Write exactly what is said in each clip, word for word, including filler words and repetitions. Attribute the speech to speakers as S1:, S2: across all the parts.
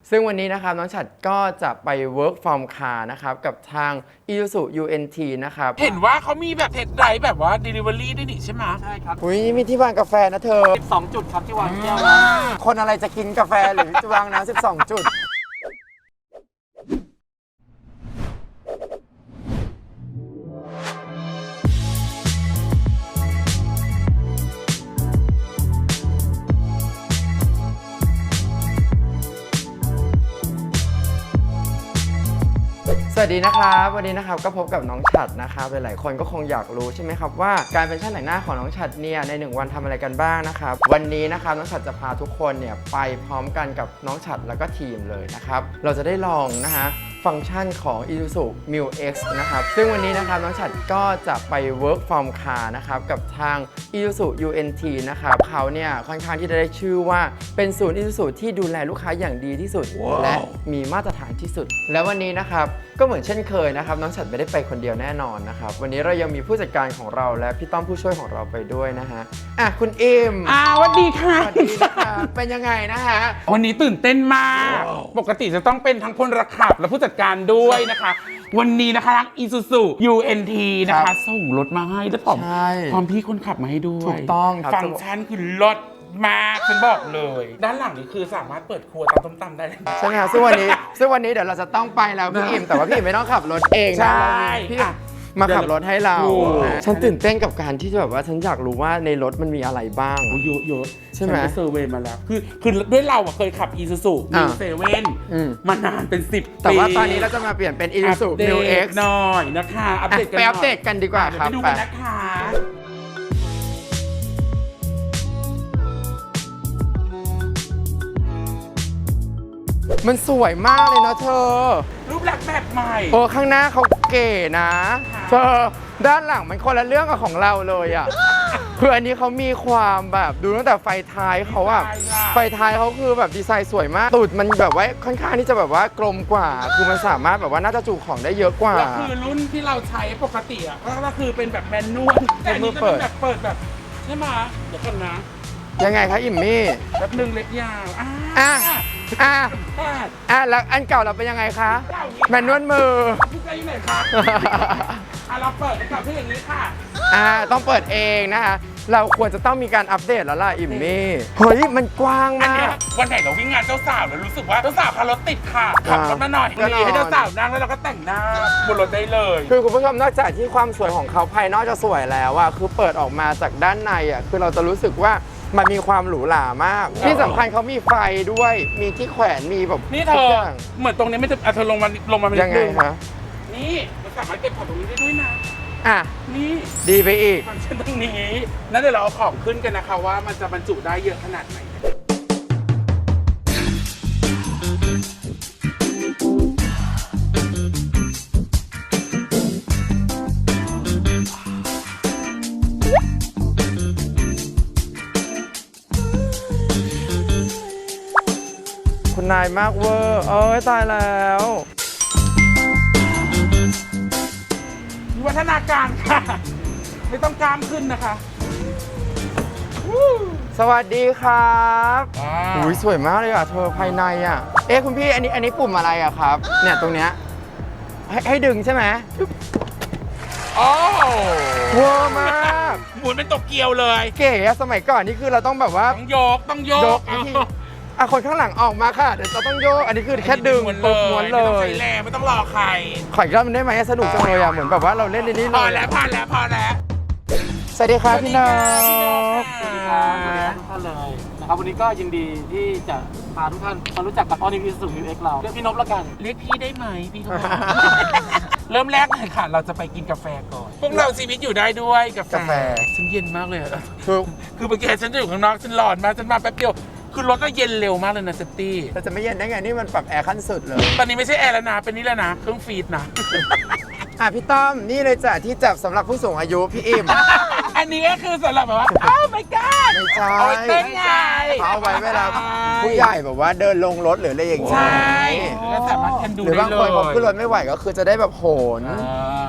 S1: ซึ่งวันนี้นะครับน้องฉัดก็จะไป work from car นะครับกับทาง Isuzu ยู เอ็น ที นะครับ
S2: เห็นว่าเขามีแบบเทสไดรฟ์แบบว่า delivery ด้วยนี่ใช่ไหม
S3: ใช่ครับ
S1: อุ้ยมีที่วางกาแฟนะเธอ
S3: สิบสองจุดครับที่วางแก้ว
S1: คนอะไรจะกินกาแฟหรือจะวางน้ำสิบสองจุดสวัสดีนะครับวันนี้นะครับก็พบกับน้องฉัดนะครับหลายๆคนก็คงอยากรู้ใช่ไหมครับว่าการเป็นช่างแต่งหน้าของน้องฉัดเนี่ยในหนึ่งวันทำอะไรกันบ้างนะครับวันนี้นะครับน้องฉัดจะพาทุกคนเนี่ยไปพร้อมกันกับน้องฉัดแล้วก็ทีมเลยนะครับเราจะได้ลองนะฮะฟังก์ชันของ Isuzuมิว X นะครับซึ่งวันนี้นะครับน้องฉัดก็จะไป work from car นะครับกับทาง Isuzu ยู เอ็น ที นะครับเขาเนี่ยค่อนข้างที่จะได้ชื่อว่าเป็นศูนย์ Isuzu ที่ดูแลลูกค้าอย่างดีที่สุด wow. และมีมาตรฐานที่สุดและวันนี้นะครับก็เหมือนเช่นเคยนะครับน้องฉัดไม่ได้ไปคนเดียวแน่นอนนะครับวันนี้เรายังมีผู้จัดการของเราและพี่ต้อมผู้ช่วยของเราไปด้วยนะฮะอ่ะคุณอิม
S2: อ่าสวัสดีค่ะ
S1: สวัสดีนะคะเป็นยังไงนะฮะ
S2: วันนี้ตื่นเต้นมาก wow. ปกติจะต้องเป็นทั้งพลขับและผู้จัดการด้วยนะคะวันนี้นะคะทาง Isuzu ยู เอ็น ที นะคะส่งรถมาให้และพร้อมพร้อมพี่คนขับมาให้ด้วย
S1: ถูกต้อง
S2: ฟังก์ชันคือรถมากฉันบอกเลยด้านหลังนี่คือสามารถเปิดครัวตำต้มตำได้เลย
S1: ใช่ไหมครับซึ่งวันนี้ซึ่งวันนี้เดี๋ยวเราจะต้องไปแล้วพี่อิมแต่ว่าพี่อิมไม่ต้องขับรถเองนะพี่มาขับรถให้เราฉันตื่นเต้นกับการที่จะแบบว่าฉันอยากรู้ว่าในรถมันมีอะไรบ้าง
S2: เยอะเยอะ
S1: ใช่ไหม
S2: เซอร์เวย์มาแล้วคือคือด้วยเราเคยขับ Isuzu มิว เซเว่น มานานเป็นสิบปี
S1: แต่ว่าตอนนี้เราจะมาเปลี่ยนเป็น Isuzu มิว X
S2: หน่อยนะคะอัปเดตกัน
S1: ไปอัปเดตกันดีกว่าครับ
S2: ไปดูกันนะคะ
S1: มันสวยมากเลยเนาะเธอ
S2: รูปลักษณ์แบบใหม่
S1: โอ้ข้างหน้าเขาเก๋นะเธอด้านหลังมันคนละเรื่องกับของเราเลยอ่ะคืออันนี้เขามีความแบบดูตั้งแต่ไฟท้ายเขาอะไฟท้ายเขาคือแบบดีไซน์สวยมากตูดมันแบบว่าค่อนข้างที่จะแบบว่ากลมกว่าคือมันสามารถแบบว่าน่าจะจุของได้เยอะกว่า
S2: แล้วคือรุ่นที่เราใช้ปกติอ่ะก็คือเป็นแบบแมนนวลแต่อันนี้จะเป็นแบบเปิดแบบใช่ไหมเดี๋ยวก่อนนะ
S1: ยังไงคะอิมมี่
S2: แบบหนึ่งเล็บยาวอ่า
S1: อ่ะอ่ะอ่ะแล้วอันเก่าเราเป็นยังไงคะแมนนวลมือ
S2: พี่ใจอยู่ไหนคะอ่ะเราเปิดให้กับพี่อย่างนี้ค่ะ
S1: อ่าต้องเปิดเองนะคะเราควรจะต้องมีการอัปเดตแล้วล่ะอิมมี่เฮ้ยมันกว้างมาก
S2: วันไหนเราวิ่งงานเจ้าสาวแล้วรู้สึกว่าเจ้าสาวขับรถติดค่ะขับรถมาหน่อยนี่ให้เจ้าสาวนั่งแล้วเราก็แต่งหน้าบนรถได้เลย
S1: คือคุณผู้ชมนอกจากที่ความสวยของเขาภายนอกจะสวยแล้วอะคือเปิดออกมาจากด้านในอะคือเราจะรู้สึกว่ามันมีความหรูหรามากที่สำคัญเขามีไฟด้วยมีที่แขวนมีแบบ
S2: นี่เธอเหมือนตรงนี้ไม่จะเธอลงมาลงมา
S1: ยังไงคะ
S2: นี่มันสามารถเก็บของตรงนี้ได้ด้วยนะ
S1: อ่ะ
S2: นี่
S1: ดีไปอีก
S2: ฟังก์ชันตรงนี้นั่นเดี๋ยวเราเอาของขึ้นกันนะคะว่ามันจะบรรจุได้เยอะขนาดไหน
S1: คุณนายมากเวอร์เอ้ยตายแล้ว
S2: วิวัฒนาการค่ะไม่ต้องกล้ามขึ้นนะคะ
S1: สวัสดีครับอุ้ยสวยมากเลยอ่ะเธอภายในอ่ะเอ๊ะคุณพี่อันนี้อันนี้ปุ่มอะไรอ่ะครับเนี่ยตรงเนี้ยให้ให้ดึงใช่ไหม
S2: โอ้
S1: เวอร์มาก
S2: หมุนเป็นตกเกียวเลย
S1: เก๋อะสมัยก่อนนี่คือเราต้องแบบว่า
S2: ต้องโยกต้องโยก
S1: อ่ะคนข้างหลังออกมาค่ะเดี๋ยวเราต้องโยกอันนี้คือแค่ดึงปุ๊บม้วนเลย
S2: ไม่ต้องใช้แรงไม่ต้องรอใคร
S1: ขออีกรอบมันได้ไหมสนุกจังเลยอ่ะเหมือนแบบว่าเราเล่นในนี้เลย
S2: พอแล้วพอแล้วพอแล้ว
S1: สวัสดีครับพี่นก
S3: สวัสดีครับสวัสดีทุกท่านเลยนะครับวันนี้ก็ยินดีที่จะพาทุกท่านมารู้จักกับ All New Isuzuมิว X เราเรียกพี่นพแล้วกัน
S2: เรียกพี่ได้ไหมพี่ทุกคนเริ่มแรกเลยค่ะเราจะไปกินกาแฟก่อนพวกเราชีวิตอยู่ได้ด้วยกาแฟฉันเย็นมากเลยคือคือเมื่อกี้ฉันจะอยู่ข้างนอกฉันร้อนมากฉันมาแป๊บเดียวคือรถก็เย็นเร็วมากเลยนะเซฟตี้
S1: แต่จะไม่เย็นได้ไงนี่มันปรับแอร์ขั้นสุดเลย
S2: ตอนนี้ไม่ใช่แอร์แล้วนะเป็นนี่แล้วนะเครื่องฟีดนะ
S1: อ่ะพี่ต้อมนี่เลยจ้ะที่จับสำหรับผู้สูงอายุพี่อิม
S2: อันนี้ก็คือสำหรับแบบว่าอ้าวไม่กล้า
S1: ไม่ใช่
S2: เอาไว้เต้นไง
S1: เอาไว้เวลาผู้ใหญ่แบบว่าเดินลงรถหรืออะไรอย่างเงี้ย
S2: ใช่แล้วสามารถกันดูได้เลย
S1: หรือบางคนเขาขึ้นรถไม่ไหวก็คือจะได้แบบโหน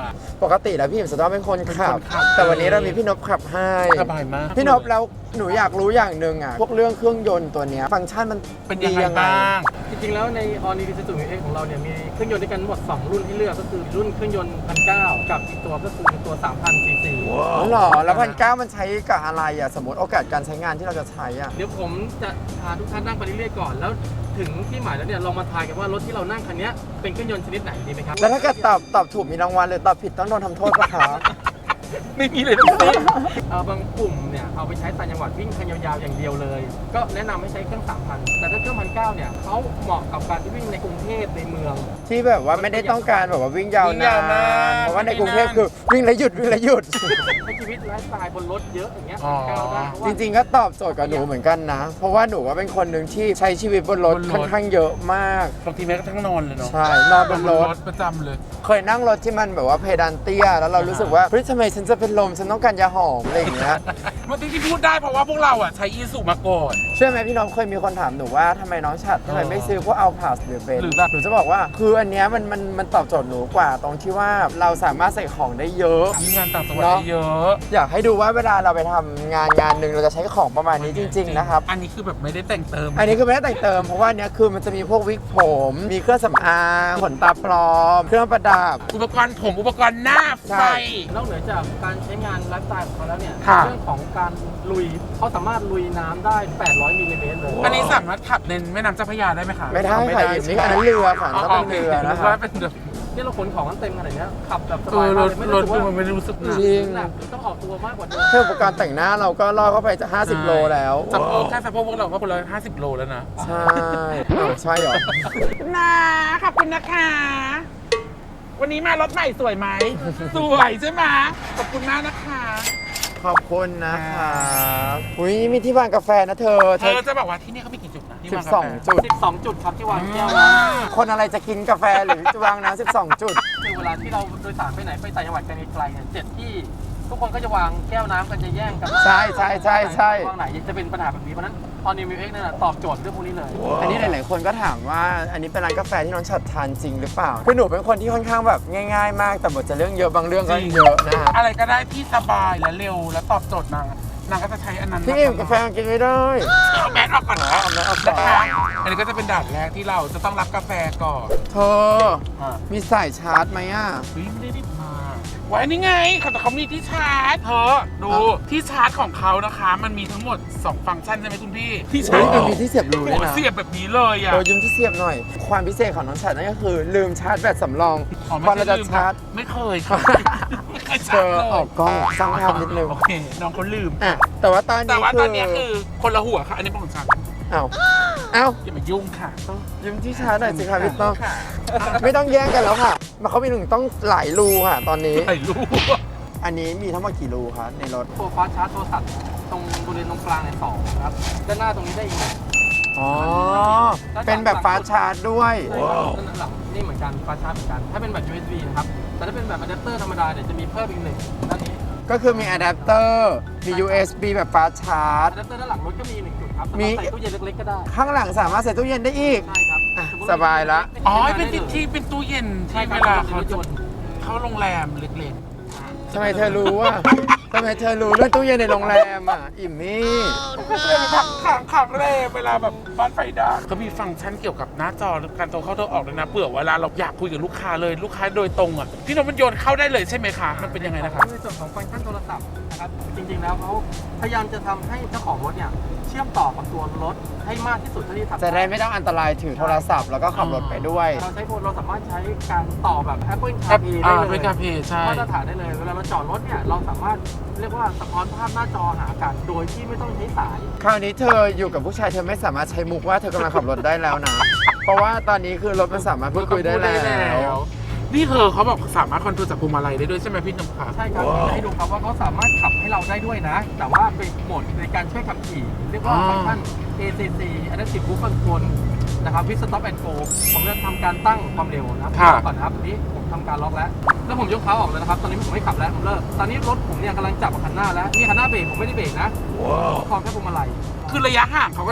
S1: ปกติแล้วพี่อิ่มจะต้องเป็นคนขับ
S2: เป็นคนขับ
S1: แต่วันนี้เรามีพี่นพขับให้
S2: สบายมาก
S1: พี่นพแล้วหนูอยากรู้อย่างหนึ่งอ่ะพวกเรื่องเครื่องยนต์ตัวเนี้ยฟังก์ชันมัน
S2: เป็นยังไงบ้าง
S3: จริงๆแล้วใน All New Isuzu Mu X ของเราเนี่ยมีเครื่องยนต์ด้วยกันทั้งหมดสองรุ่นให้เลือกก็คือรุ่นเครื่องยนต์พันเก้ากับอีกตัวก็คือตัว สามพัน ซีซี
S1: อ๋อเหรอแล้วพันเก้ามันใช้กับอะไรอ่ะสมมติโอกาสการใช้งานที่เราจะใช้อ่ะ
S3: เดี๋ยวผมจะพาทุกท่านนั่งไปเรื่อยๆก่อนแล้วถึงที่หมายแล้วเนี่ยลองมาทายกันว่ารถที่เรานั่งคันนี้เป็นเครื่องยนต์ชนิดไหนดีไหมครับ
S1: แล้วถ้าเกิดตอบตอบถูกมีรางวัลเลยตอบผิดต้องโดนทำโทษปะคะ
S2: ไม่มีเลยทั้งสิ้น
S3: เอ่อบางกลุ่มเนี่ยเอาไปใช้ต่างจังหวัดวิ่งคันยาวๆอย่างเดียวเลย ก็แนะนำให้ใช้เครื่อง สามพัน แต่ถ้าเครื่อง หนึ่งพันเก้าร้อย เนี่ยเขาเหมาะกับการที่วิ่งในกรุงเทพในเมือง
S1: ที่แบบว่าไม่ได้ต้องการแบบว่าวิ่งยาว
S2: วิ่ง
S1: นาย
S2: าวน นาน
S1: เพราะว่าในกรุงเทพคือวิ่งแล้วหยุดวิ่งแล้วหยุด
S3: ใช้ชีวิตไลฟ์สไตล์บนรถเยอะอย่างเงี้ย
S2: อ๋อ
S3: ก้าวได้เพาะว่า
S1: จริงๆก็ตอบโจทย์กับหนูเหมือนกันนะ เพราะว่าหนูว่าเป็นคนหนึ่งที่ใช้ชีวิตบนรถ
S2: บนรถ
S1: ค่อนข้างเยอะมาก
S2: บางทีแม้กระทั่งนอนเลยเนาะ
S1: ใช่ นอนบนรถ
S2: ประจำเลย
S1: เคยนั่งรถที่มันแบบว่าเพดานเตี้ย แล้วเรารู้สึกว่าเฮ้ยทำไมฉันจะเป็นลมฉันต้องการยาหอมอะไรอย่างเงี้ย
S2: มันที่พูดได้เพราะว่าพวกเราอ่ะใช้อีสุมาก่อน
S1: เชื่อไหมพี่น้องเคยมีคนถามหนูว่าทำไมน้องฉัดทำไมไม่ซื้อพวกเอาพาสหรือเบน
S2: หรือแบบ
S1: หนูจะบอกว่าคืออันเนี้ยมันมันมันตอบโจทย์หนูกว่า ตรงที่ว่าเราสามารถใส่ของได้เยอะ
S2: มีงานต่างจังหวัด
S1: เนอะ
S2: ได้เยอะ
S1: อยากให้ดูว่าเวลาเราไปทำงานงานหนึ่งเราจะใช้ของประมาณนี้จริง ๆ นะครับ
S2: อันนี้คือแบบไม่ได้แต่งเติม
S1: อันนี้คือไม่ได้แต่งเติมเพราะว่าอันเนี้ยคือมันจะมีพวกวิกผม มีเครื่องสำอางขนตาปลอม เครื่องประดับ
S2: อุปกรณ์ผมอุปกรณ์หน้า
S1: ใช่
S2: ไฟ
S3: นอกเหนือจากการใช้งานไลฟ์สไตล์ของเขาแล้วเนี่ย
S2: ค่ะ
S3: เรื่องของการลุยเขาสามารถลุยน้ำได้ แปดร้อยมิลลิเมตรเลย
S2: อันนี้สามารถขับในแม่น้ำเจ้าพระยาได้ไหมคะ
S1: ไม่ได้
S2: เอา
S1: ค่ะอีกนี่อันนั้นเรือค่ะอันนั้นเป็นเรือนะ
S2: นึก
S1: คะ
S2: ว่าเป็นแบบ
S3: ที่เราขนของกันเต็มขนาดเนี้ยขับแบบส
S2: เอบ
S3: าย
S2: อร
S3: มาก
S2: ถ
S3: เลยไม่
S2: ร
S3: รู้
S2: ถ
S3: สึก
S2: ดู
S3: ว่า
S2: มันไม่ได้รู้สึกหนัก
S1: จริง
S3: หนักหรือต้องออกตัวมากกว่าเดิม
S1: แค่อุปกรณ์แต่งหน้าเราก็ล่อเข้าไปจะห้าสิบโลแล้ว
S2: สะโพกแค่สะโพกพวกเราก็คนละห้าสิบโลแล้วนะ
S1: ใช่อ้าวใช่เหรอ
S2: นาขอบคุณนะคะ วันนี้มารถใหม่สวยไหม สวยใช่ไหมขอบคุณมากนะคะ
S1: ขอบคุณนะคะอุ้ยมีที่วางกาแฟนะเธอ
S2: เธอจะบอกว่าที่นี่เขามีกี่จุดนะที่
S1: สิ
S2: วา
S1: บ
S2: กา
S1: สอง
S2: แฟ
S1: จุด
S3: สิบสองจุดครับที่วางแก้ว
S2: อ่า
S3: นะ
S1: คนอะไรจะกินกาแฟหรือจะวางน้ำสิบสองจุด
S3: คือเวลาที่เราโดยสารไปไหนไปต่างจังหวัดกันไกลๆเนี่ยเจ็ดที่ทุกคนก็จะวางแก้วน้ำกันจะแย่งกัน
S1: ใช่ใช่ใช่ใช่
S3: วางไหนจะเป็นปัญหาแบบนี้เพราะฉะนั้น All New Mu X นั่นนะตอบโจทย์เรื่องพวกนี้เลย
S1: อันนี้หลาย ๆ คนก็ถามว่าอันนี้เป็นร้านกาแฟที่น้องฉัดทานจริงหรือเปล่า คือหนูเป็นคนที่ค่อนข้างแบบง่าย ๆ มาก แต่บทจะเรื่องเยอะบางเรื่องก็เยอะนะฮะ
S2: อะไรก็ได้ที่สบายและเร็วและตอบโจทย์นางนางก็จะใช้อันนั้น
S1: พี่อิ่มกาแฟกินไม่ได้
S2: เอาแมสออกก่อน
S1: อ๋อเอาแมสออกก่อน
S2: นะคะอันนี้ก็จะเป็นด่านแรกที่เราจะต้องรับกาแฟก่อน
S1: เธอ มีสายชาร์จไหมอ่ะ
S2: เฮ้ยไม่ได้รีบมาไว้นี่ไงแต่เขามีที่ชาร์จเธอดูที่ชาร์จของเขานะคะ มันมีทั้งหมดสองฟังก์ชันใช่ไหมคุณพี่ที่ชา
S1: เฮ้
S2: ร์
S1: ย
S2: จ
S1: มันมีที่เสียบรู
S2: โอ้
S1: ด้วย
S2: โห
S1: นะ
S2: เสียบแบบนี้เลยอ่ะ
S1: เออยืมที่เสียบหน่อย ความพิเศษของน้องฉัดนั่นก็คือ ลืมชาร์จแบตสำรอง
S2: อ๋อ
S1: พอ
S2: ไม่
S1: เรา
S2: ใช่
S1: จะ
S2: ลืม
S1: ชาร์จ
S2: ไม่เคยค่ะไม่เคย
S1: เธ
S2: ชาร์จ
S1: อ
S2: เลย
S1: ออกกล้องสร้างภาพนิดนึง
S2: โอเคน้องเขาลืม
S1: อ่ะแต่ว่าตอน
S2: แต่
S1: นี้
S2: ว่า
S1: คื
S2: ต
S1: อ
S2: อนนี้คือคนละหัวค่ะ อันนี้เป็นของฉัน
S1: เอ้าเอ้า
S2: อย่ามายุ่งค่ะ
S1: ยืมที่ชาร์จหน่อยสิคะพี่ต้อง
S2: ค่ะ
S1: ไม่ต้องแย่งกันแล้วค่ะมันเขามีหนึ่งต้องหลายรูค่ะ ตอนนี้
S2: ใส่ลูก
S1: อันนี้มีทั้งหมดกี่รูคะในรถ
S3: ตัวฟ้าชาร์จโทรศัพท์ตรงบริเวณตรงกลางเนี่ยสองนะครับด้านหน้าตรงนี้ได้อีกหนึ่ง
S1: อ๋อ เป็นแบบฟ้าชาร์จด้วย
S3: ใช่ครับด้านหลังนี่เหมือนกันฟ้าชาร์จเหมือนกัน ถ้าเป็นแบบ ยู เอส บี นะครับ แต่ถ้าเป็นแบบอะแดปเตอร์ธรรมดาเนี่ยจะมีเพิ่มอีกหนึ่งด้านนี้
S1: ก็คือมีอะแดปเตอร์ มี ยู เอส บี แบบฟ้าชาร์จ
S3: อะแดปเตอร์ด้านหลังรถก็มีหนึ่งจุดครับสา
S1: มี
S3: มารถใส่ตู้เย็นเล็กๆก็ได้
S1: ข้างหลังสามารถใส่ตู้เย็นได้อีก
S3: ใช่ครับ
S1: อ่ะ
S3: มมุติ
S1: สบายละ
S2: อ๋อ เป็นที่ที่เป็นตู้เย็น
S3: ใช่
S2: ที่
S3: ครั
S2: เว
S3: บ
S2: ลาเขา
S3: รถย
S2: จะ
S3: นต์
S2: เข้าโรงแรมเล็ก
S1: ทำไมเธอรู้ว่าทำไมเธอรู้เรื่องตู้เย็นในโรงแรมอ่ะ อิ่มมี่
S2: ๆก็เลยขังขังขังเลยเวลาแบบบ้านไฟดับเขามีฟังก์ชันเกี่ยวกับหน้าจอการโทรเข้าโทรออกเลยนะเผื่อเวลาเราอยากคุยกับลูกค้าเลยลูกค้าโดยตรงอ่ะพี่นพมันโยนเข้าได้เลยใช่ไหมคะมันเป็นยังไงนะคะ
S3: ในส่วนของฟังก์ชันโทรศัพท์นะครับ จริงๆ แล้วเขาพยายามจะทำให้เจ้าของรถเนี่ยเชื่อมต่อกับตัวรถให้มากที่สุดเท่าที่ทำ
S1: จะได้ไม่ต้องอันตรายถือโทรศัพท์แล้วก็ขับรถไปด้วย
S3: เราใช้โฟนเราสามารถใช้การต่อแบบ Apple
S2: แอป
S3: CarPlay
S2: อ่า
S3: ได้เล
S2: เป็
S3: ย
S2: นการเพย์ใช่
S3: มาตรฐานได้เลย เวลาเราจอดรถเนี่ยเราสามารถเรียกว่าสะท้อนภาพหน้าจอหากันโดยที่ไม่ต้องใช้สาย
S1: คราวนี้เธออยู่กับผู้ชายเธอไม่สามารถใช้มุกว่าเธอกำลังขับรถได้แล้วนะ เพราะว่าตอนนี้คือรถมันสามารถพูดคุยได้แล้ว
S2: นี่เธอเขาบอกสามารถคอนโทรลจากพวงมาลัยได้ด้วยใช่ไหมพี่นพคะ
S3: ใช่ครับจะให้ดูครับว่าเขาสามารถขับให้เราได้ด้วยนะ แต่ว่าเป็นโหมดในการช่วยขับขี่ เรียกว่าฟังก์ชัน เอ ซี ซี Adaptive Cruise Control นะครับ with Stop and Go ผมจะทำการตั้งความเร็วนะครับ
S2: ค่ะ
S3: ก่อนนะครับนี้ผมทำการล็อกแล้ว แล้วผมยกเท้าออกเลยนะครับ ตอนนี้ผมไม่ขับแล้วผมเลิกตอนนี้รถผมเนี่ยกำลังจับกับคันหน้าแล้วนี่คันหน้าเบรกผมไม่ได้เบรกนะผมคล้องแค่พวงมาลัย
S2: คือระยะห่างเขาก็จะเป็น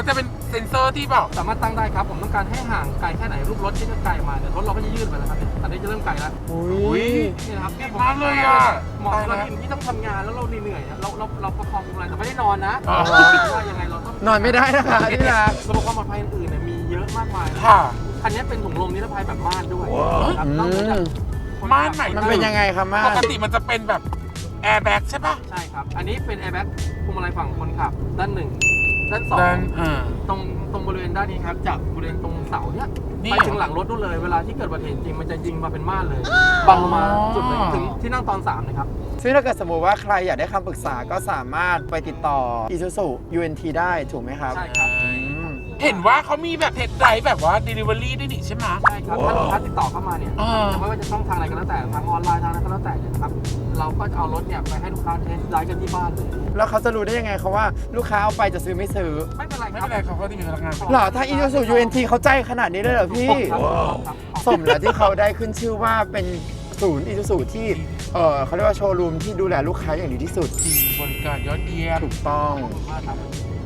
S2: เซ็นเซอร์ที่บอก
S3: สามารถตั้งได้ครับ ผมต้องการให้ห่างไกลแค่ไหนรูปรถที่จะไกลมาเนี่ยรถเราก็จะยื่นไปแล้วครับเนี่ยอันนี้จะเริ่มไกลแล้ว
S1: อุ้ย
S3: นี่นะครับ
S2: ดีมากเลยอ่ะ
S3: เหมาะกับทีมที่ต้องทำงานแล้วเราเหนื่อยๆเราเราเราประคองอะไรแต่ไม่ได้นอนนะ
S2: อ๋อ
S3: ว่ายังไงเราต้อง
S1: นอนไม่ได้นะคะที่รัก
S3: ระบบความปลอดภัยอื่นๆเนี่ยมีเยอะมากมายนะ
S2: ค่ะ
S3: คันนี้เป็นถุงลมนิรภัยแบบม่านด้วย
S1: ว้าว
S3: ครับนอกจาก
S2: ม่านไหน
S1: มันเป็นยังไงครับมา
S2: ปกติมันจะเป็นแบบแอร์แบ็กใช่ปะ
S3: ใช่ครับ อันนี้เป็นแอร์แบ็กพวงมาลัยฝั่งคนขับ ด้านหนึ่งด้านสอง
S2: ด้านอ่า
S3: ตรงตรงบริเวณด้านนี้ครับจากบริเวณตรงเสาเนี่ย
S2: นี่
S3: ไป
S2: เหรอ
S3: ถึงหลังรถนู่นเลยเวลาที่เกิดอุบัติเหตุจริงมันจะยิงมาเป็นม่านเลยบังลงมาจุดเลยถึงที่นั่งตอนสามนะครับ
S1: ซึ่งถ้าเกิดสมมติว่าใครอยากได้คำปรึกษาก็สามารถไปติดต่อ Isuzu ยู เอ็น ที ได้ถูกไหมครับ
S3: ใช่ครับ
S1: อืม
S2: เห็นว่าเขามีแบบเทสไดรฟ์แบบว่า Delivery ด้วยนี่ใช่ไหม
S3: ใช่ครับถ้าลูกค้าติดต่อเข้ามาเนี่ย
S2: อ่า
S3: ไม่ว่าจะช่องทางอะไรก็แล้วแต่ทางออนไลน์ทางอะไรก็แล้วแต่เนี่ยนะครับเราก็จะเอารถเนี่ยไปให้ลูกค้าเทสไดรฟ์กันที่บ้านเลย
S1: แล้วเขาจะรู้ได้ยังไงเขาว่าลูกค้าเอาไปจะซื้อไม่ซื้อ
S3: ไม่เป็นไร
S2: ไม่
S3: ครั
S2: เป็
S3: บ
S2: นไรเขาก็จะมีพนักงาน
S1: หรอถ้า Isuzu ยู เอ็น ที เขาใจขนาดนี้เลยเหรอพี่
S3: ครับครับ
S1: สมแล้วที่เขาได้ขึ้นชื่อว่าเป็นศูนย์ Isuzu ที่เออเขาเรียกว่าโชว์รูมที่ดูแลลูกค้าอย่างดีที่สุด
S2: จริงบริการยอดเยี่ยม
S1: ถูกต้อง
S3: ขอบคุณมากครับ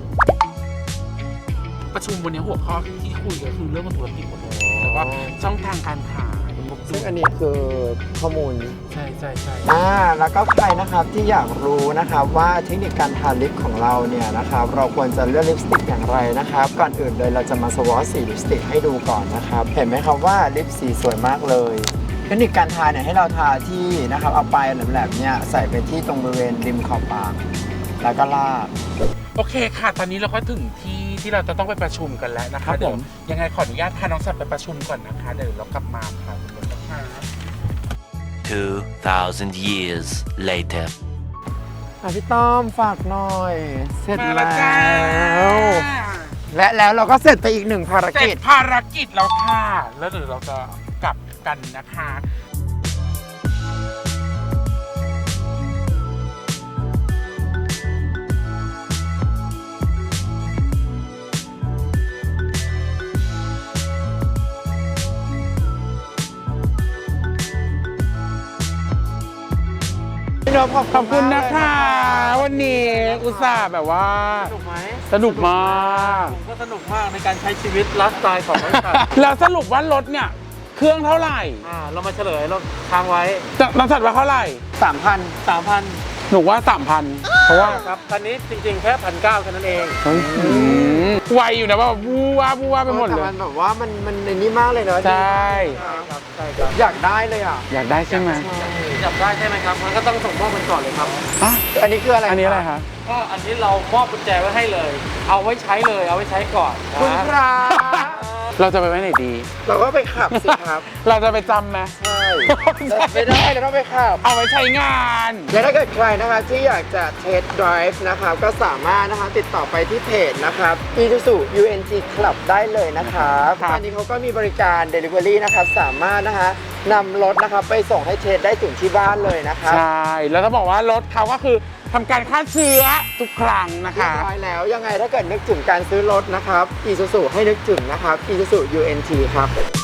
S2: ประชุมวันนี้หัวข้อที่คุยก็คือเรื่องธุรกิจหมดเลยแต่ว่าช่องทางการขาย
S1: ซึ่งอันนี้คือข้อมูล
S2: ใช่ใช่ใช่
S1: อ่าแล้วก็ใครนะครับที่อยากรู้นะครับว่าเทคนิคการทาลิปของเราเนี่ยนะครับเราควรจะเลือกลิปสติกอย่างไรนะครับก่อนอื่นเลยเราจะมาสวอชสีลิปสติกให้ดูก่อนนะครับเห็นไหมครับว่าลิปสีสวยมากเลยเทคนิคการทาเนี่ยให้เราทาที่นะครับเอาปลายแหลมๆเนี่ยใส่ไปที่ตรงบริเวณริมขอบปากแล้วก็ลาก
S2: โอเคค่ะ ตอนนี้เราก็ถึงที่ที่เราจะต้องไปประชุมกันแล้วนะ
S1: ครั
S2: คะ
S1: บผม
S2: เดี๋ยวยังไงขออนุญาตพาน้องสัตว์ไปประชุมก่อนนะคะเดี๋ยวเรากลับมาค่ะขอบคุณนะคะ
S4: two thousand years later.
S1: อ่ะพี่ต้อมฝากหน่อย เสร็จ
S2: มา
S1: แล้
S2: แล้วจ้าว
S1: และแล้วเราก็เสร็จไปอีกหนึ่งภาร
S2: เสร็
S1: กิ
S2: จ
S1: จ
S2: ภารกิจแล้วค่ะ แล้วเดี๋ยวเราจะกลับกันนะคะ
S1: พี่นพขอบ
S2: ขอบคุณ
S1: มาก
S2: นะ
S1: เลย
S2: คะ วันนี้อุตส่าห์แบบว่า
S3: สนุกไหม
S2: สนุกมาก
S3: ผมก็สนุกมากในการใช้ชีวิตไลฟ์สไตล์ของบริษัท
S2: แล้วสรุปว่ารถเนี่ย เครื่องเท่าไหร่
S3: อ่าเรามาเฉลยเราค้างไว้
S2: จะน้องสัตว์ว่าเท่าไหร่
S1: สามพัน
S3: สามพัน
S2: หนูว่าสามพันเพราะว่า
S3: ครับคันนี้จริงๆแค่พันเก้าแค่นั้นเอง
S2: ไวอยู่นะว่าบูว่าบูว่าไปหมดเล
S1: แต่
S2: ย
S1: มันแบบว่ามันมันในนี้มากเลยเนอะ
S2: ใช่
S3: ใช่ครับใช่ครับ
S1: อยากได้เลยอ่ะ
S2: อยากได้ใช่ไหม
S3: จับได้ใช่ไหมครับมันก็ต้องส่งมอบกันก่อนเลยครับ
S2: อ่ะ
S1: อันนี้คืออะไร
S2: อันนี้อะไรคะ
S3: ก็อันนี้เรามอบกุญแจไว้ให้เลย เอาไว้ใช้เลยเอาไว้ใช้ก่อนนะ
S1: คุณพระ
S2: เราจะไปไว้ไหนดี
S1: เราก็ไปขับสิครับ
S2: เราจะไปจำไหม
S1: ใช่ไม่ได้เราต้องไปขับ
S2: เอาไว้ใช้งาน
S1: และถ้าเกิดใครนะคะที่อยากจะเทสต์ไดรฟ์นะครับก็สามารถนะคะติดต่อไปที่เพจนะครับ Isuzu ยู เอ็น ที Club ได้เลยนะครับตอนนี้เขาก็มีบริการ Delivery นะครับสามารถนะคะนำรถนะครับไปส่งให้เทสได้ถึงที่บ้านเลยนะครับ
S2: ใช่ แล้วต้องบอกว่ารถเขาก็คือทำการฆ่าเชื้อทุกครั้งนะ
S1: เรีย
S2: คะ
S1: บร้อยแล้วยังไงถ้าเกิดนึกถึงการซื้อรถนะครับ Isuzu ให้นึกถึงนะครับ Isuzu ยู เอ็น ที ครับ